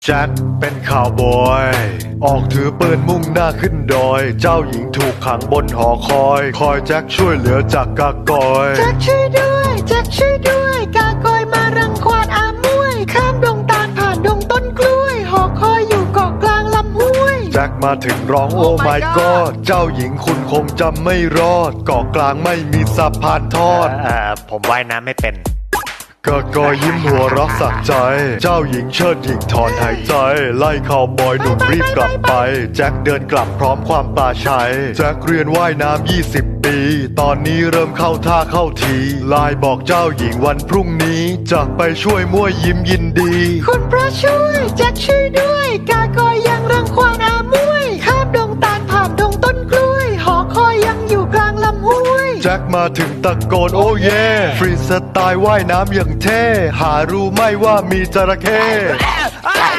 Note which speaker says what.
Speaker 1: แจ็คเป็นข่าวบอยออกถือปืนมุ่งหน้าขึ้นดอยเจ้าหญิงถูกขังบนหอคอยแจ็คช่วยเหลือจากกากอย
Speaker 2: แจ็คช่วยด้วยแจ็คช่วยด้วยกากอยมารังควานอามวยข้ามดงตาลผ่านดงต้นกล้วยหอคอยอยู่เกาะกลางลำห้วย
Speaker 1: แจ็คมาถึงร้องโอ้ my god เจ้าหญิงคุณคงจำไม่รอดเกาะกลางไม่มีสะพานทอด
Speaker 3: ผมว่ายน้ำไม่เป็น
Speaker 1: กากอยยิ้มหัวเรักสักใจเจ้าหญิงเชิดหญิงถอนหายใจไล่ข่าวบอยหนุ่มรีบกลับไปแจ็คเดินกลับพร้อมความปลาชัยแจ็คเรียนว่ายน้ำ20 ปีตอนนี้เริ่มเข้าท่าเข้าทีไลน์บอกเจ้าหญิงวันพรุ่งนี้จะไปช่วยมั่วยิ้มยินดี
Speaker 2: คุณพระช่วยแจ็คช่วยด้วยกากอยยังรังควานอามวยข้ามดงตาลผ่านดงต้นกล้วยหอคอยยังอยู่กลางลำห้วย
Speaker 1: แจ็คมาถึงตะโกนโอ้เย่ฟรีสไตล์ว่ายน้ำอย่างเท่หารู้ไหม่ว่ามีจระเข้